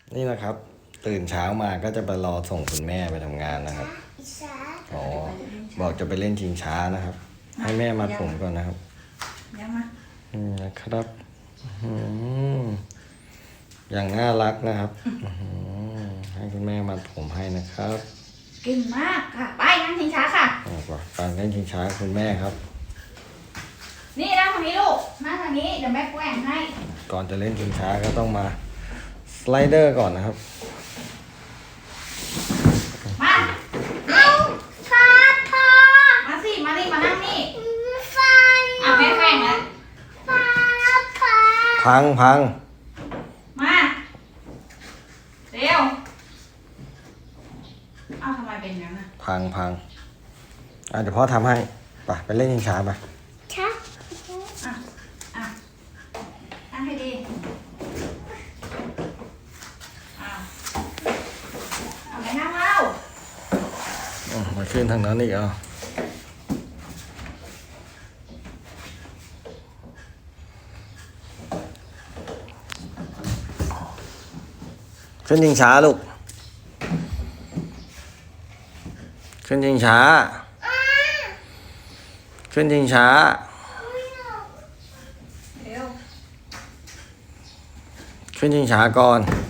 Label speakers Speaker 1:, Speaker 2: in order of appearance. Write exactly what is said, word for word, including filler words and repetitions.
Speaker 1: นี่นะครับ ตื่นเช้ามาก็จะไปรอส่งคุณแม่ไปทำงานนะครับอ๋อบอกจะไปเล่นชิงช้านะครับ ให้แม่มัดผมก่อนนะครับ
Speaker 2: ยังมา
Speaker 1: นี่นะครับอย่างน่ารักนะครับให้คุณแม่มัดผมให้นะครับ
Speaker 2: เก่งมากค่ะไปนั่งชิงช้าค่ะ
Speaker 1: ไปเล่นชิงช้าคุณแม่ครับ
Speaker 2: นี่นั่งทางนี้ลูกนั่งทางนี้เดี๋ยวแม่แกว่งให้
Speaker 1: ก่อนจะเล่นชิงช้าก็ต้องมาสไลเดอร์ก่อนนะครับ
Speaker 2: มาเอาค่ะพ่อมาสิมาดิมานั่งนี่ไฟอ่ะแม่แข่งแล้ว
Speaker 1: พังพัง
Speaker 2: มาเร็วเอาทำไมเป็นงั้นอ่ะ
Speaker 1: พังพังอ่ะเดี๋ยวพ่อทำให้ไปไปเล่นชิงช้าไป
Speaker 2: ช้าอ่ะอ่ะนั่งให้ดี
Speaker 1: มาขึ้นทางนั้นอีกอ่ะขึ้นยิงช้าลูกขึ้นยิงช้าขึ้นยิงช้าขึ้นยิงช้าก่อน